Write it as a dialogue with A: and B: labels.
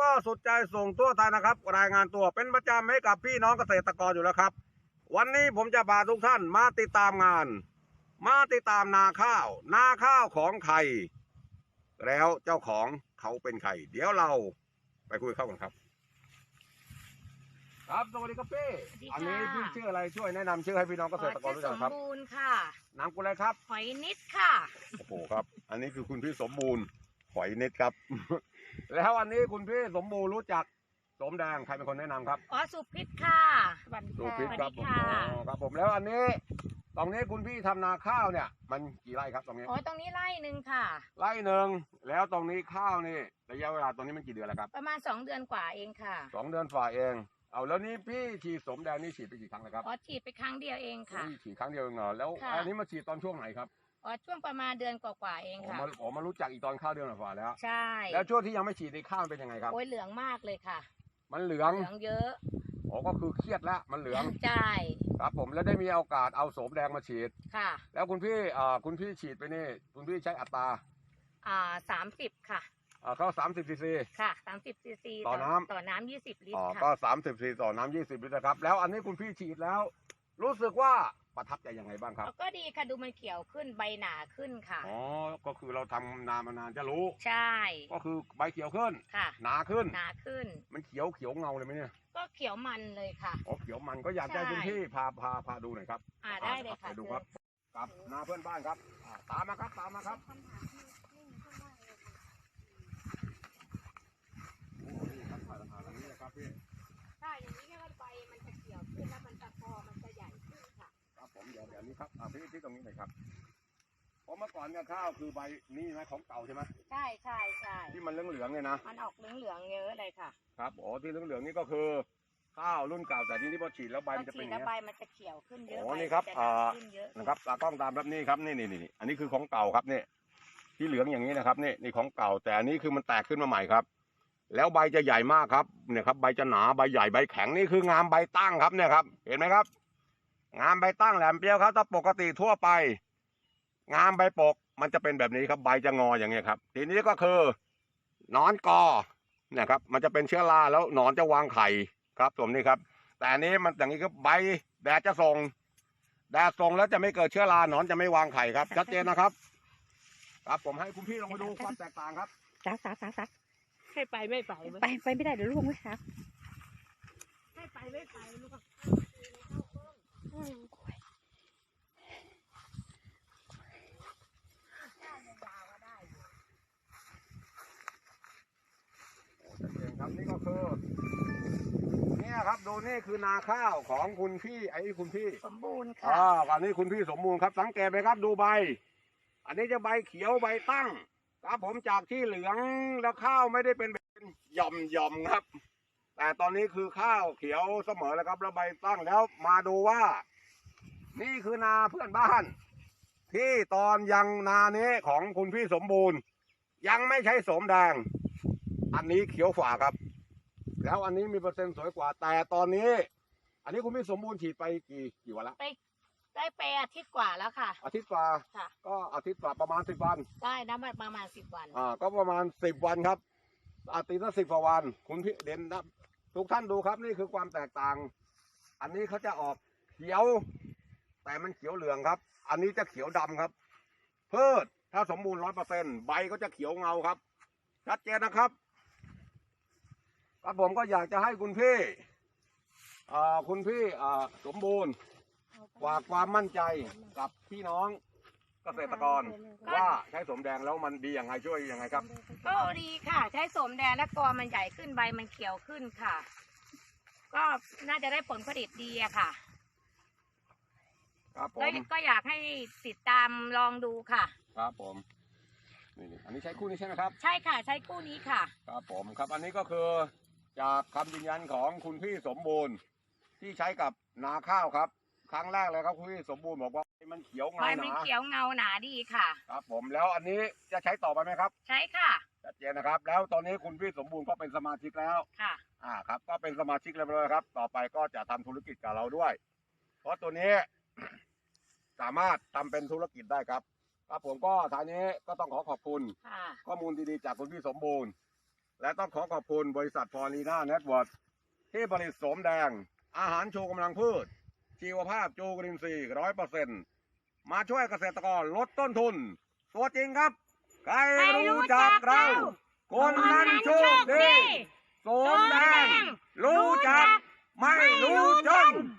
A: ก็สุดใจส่งทั่วไทยนะครับรายงานตัวเป็นประจำให้กับพี่น้องเกษตรกรอยู่แล้วครับวันนี้ผมจะพาทุกท่านมาติดตามงานมาติดตามนาข้าวของใครแล้วเจ้าของเขาเป็นใครเดี๋ยวเราไปคุยเข้ากันครับครับสวัสดีครับพี่อันนี้พี่ชื่ออะไรช่วยแนะนำชื่อให้พี่น้องเกษตรกรรู้จักครับ
B: สมบูรณ์ค่ะ
A: นามกุลอะไรครับ
B: หอยนิดค่ะ
A: โอ้โหครับอันนี้คือคุณพี่สมบูรณ์หอยนิดครับ แล้วอันนี้คุณพี่สมบูรณ์รู้จักสมแดงใครเป็นคนแนะนำครับ
B: สุพิษค่ะ
A: สุพิษครับผมครับผมแล้วอันนี้ตรงนี้คุณพี่ทำนาข้าวเนี่ยมันกี่ไร่ครับตรงนี้
B: ตรงนี้ไร่หนึ่งค่ะ
A: ไร่หนึ่งแล้วตรงนี้ข้าวนี่ระยะเวลาตรงนี้มันกี่เดือนแล้วครับ
B: ประมาณ2 เดือนกว่าเองค่ะ
A: 2 เดือนฝ่าเองเอาแล้วนี่พี่ฉีดสมแดงนี่ฉีดไปกี่ครั้งแล้วครับ
B: ฉีดไปครั้งเดียวเองค่ะ
A: ฉีดครั้งเดียวเองเหรอแล้วอันนี้มาฉีดตอนช่วงไหนครับ
B: ช่วงประมาณเดือนกว่าเองค่ะ
A: มารู้จักอีกตอนข้าวเดือนกว่าแล้ว
B: ใช่
A: แล้วช่วงที่ยังไม่ฉีดในข้าวเป็นยังไงครับ
B: เหลืองมากเลยค่ะ
A: มันเหลือง
B: เยอะ
A: ก็คือเครียดแล้วมันเหลือง
B: ใช่
A: ครับผมแล้วได้มีโอกาสเอาโสมแดงมาฉีด
B: ค่ะ
A: แล้วคุณพี่ฉีดไปนี่คุณพี่ใช้อัตรา
B: 30ค่ะ
A: เขา30 ซีซี
B: ค่ะ30 ซีซีต่อน้ำ20 ลิตรค่ะ
A: ก็30 ซีซีต่อน้ำ20 ลิตรนะครับแล้วอันนี้คุณพี่ฉีดแล้วรู้สึกว่าประทับใจยังไงบ้างครับ
B: ก็ดีค่ะดูมันเขียวขึ้นใบหนาขึ้นค่ะ
A: ก็คือเราทำนานจะรู้
B: ใช่
A: ก็คือใบเขียวขึ้น
B: ค่ะ
A: หนาขึ้นมันเขียวเงาเลยไหมเนี่ย
B: ก็เขียวมันเลยค่ะ
A: เขียวมันก็อยากให้คุณพี่พาดูหน่อยครับ
B: ได้เลยค่ะ
A: ดูครับกับนาเพื่อนบ้านครับตามมาครับ
B: ถ้าอย่างนี้แค่ใบมันจะเขียวขึ้นแล้วมันจะคอมันจะใหญ่ขึ้นค่ะ
A: ครับผมเดี๋ยวนี้ครับพี่ตรงนี้หน่อยครับเพราะเมื่อก่อนเนี่ยข้าวคือใบนี่นะของเก่าใช่ไหม
B: ใช่
A: ที่มันเหลืองเนี่ยนะ
B: มันออกเหลืองเยอะเลยค่ะ
A: ครับที่เหลืองนี่ก็คือข้าวรุ่นเก่าแต่ทีนี้พอฉีดแล้วใบมันจะเป็นอย่างนี้
B: ใบมันจะเขียวขึ้นเยอะ
A: นี่ครับนะครับตากล้องตามแบบนี้ครับนี่อันนี้คือของเก่าครับนี่ที่เหลืองอย่างนี้นะครับนี่ของเก่าแต่อันนี้คือมันแตกขึ้นมาใหม่ครับแล้วใบจะใหญ่มากครับเนี่ยครับใบจะหนาใบใหญ่ใบแข็งนี่คืองามใบตั้งครับเนี่ยครับเห็นไหมครับงามใบตั้งแหลมเปรี้ยวครับถ้าปกติทั่วไปงามใบปกมันจะเป็นแบบนี้ครับใบจะงออย่างเงี้ยครับทีนี้ก็คือหนอนกอเนี่ยครับมันจะเป็นเชื้อราแล้วหนอนจะวางไข่ครับผมนี่ครับแต่อันนี้มันอย่างนี้ครับใบแดดจะส่งแล้วจะไม่เกิดเชื้อราหนอนจะไม่วางไข่ครับชัดเจนนะครับครับผมให้คุณพี่ลองไปดูความแตกต่างครับ
B: ซักให้ไปไม่ไปไม่ได้เดี๋ยวลูกไม่ครับให้ไปไม่ไปลูก
A: ครับนี่ก็คือเนี่ยครับดูนี่คือนาข้าวของคุณพี่คุณพี่
B: สมบูรณ์ค่ะ
A: อันนี้คุณพี่สมบูรณ์ครับสังเกตไหมครับดูใบอันนี้จะใบเขียวใบตั้งครับผมจากที่เหลืองแล้วข้าวไม่ได้เป็นหย่อมครับแต่ตอนนี้คือข้าวเขียวเสมอแล้วครับแล้วใบตั้งแล้วมาดูว่านี่คือนาเพื่อนบ้านที่ตอนยังนานี้ของคุณพี่สมบูรณ์ยังไม่ใช้โสมแดงอันนี้เขียวฝ่าครับแล้วอันนี้มีเปอร์เซ็นต์สวยกว่าแต่ตอนนี้อันนี้คุณพี่สมบูรณ์ฉีดไปกี่วันละ
B: ได้ไปอาทิตย์กว่าแล้วค่ะ
A: อาทิตย์กว่าก็อาทิตย์กว่าประมาณ10 วัน
B: ได้นะประมาณ10 วัน
A: ก็ประมาณ10 วันครับอาทิตย์ละ10 กว่าวันคุณพี่เด่นนะทุกท่านดูครับนี่คือความแตกต่างอันนี้เขาจะออกเขียวแต่มันเขียวเหลืองครับอันนี้จะเขียวดำครับพืชถ้าสมบูรณ์100%ใบก็จะเขียวเงาครับชัดเจนนะครับครับผมก็อยากจะให้คุณพี่สมบูรณ์ฝากความมั่นใจกับพี่น้องเกษตรกรว่าใช้โสมแดงแล้วมันดีอย่างไรช่วยยังไงครับ
B: ก็ดีค่ะใช้โสมแดงและกอมันใหญ่ขึ้นใบมันเขียวขึ้นค่ะก็น่าจะได้ผลผลิตดีอะค่ะ
A: ครับผม
B: ก็อยากให้ติดตามลองดูค่ะ
A: ครับผมนี่อันนี้ใช้คู่นี้ใช่ไหมครับ
B: ใช่ค่ะใช้คู่นี้ค่ะ
A: ครับผมครับอันนี้ก็คือจากคำยืนยันของคุณพี่สมบูรณ์ที่ใช้กับนาข้าวครับครั้งแรกเลยครับคุณพี่สมบูรณ์บอกว่ามันเขียวเงาหนา
B: มันเขียวเงาหนาดีค่ะ
A: ครับผมแล้วอันนี้จะใช้ต่อไปไหมครับ
B: ใช้ค่ะ
A: ชัดเจนนะครับแล้วตอนนี้คุณพี่สมบูรณ์ก็เป็นสมาชิกแล้ว
B: ค่ะ
A: ครับก็เป็นสมาชิกแล้วครับต่อไปก็จะทำธุรกิจกับเราด้วยเพราะตัวนี้สามารถทำเป็นธุรกิจได้ครับครับผมก็ทางนี้ก็ต้องขอบคุณข้อมูลดีๆจากคุณพี่สมบูรณ์และต้องขอขอบคุณบริษัทพอลีน่าเน็ตเวิร์คที่ผลิตโสมแดง อาหารชูกำลังพืช ชีวภาพจูกรินทรีย์100%มาช่วยเกษตรกรลดต้นทุน ตัวจริงครับ ใครรู้จักเรา คนนั้นโชคดีโสมแดง รู้จัก ไม่รู้จน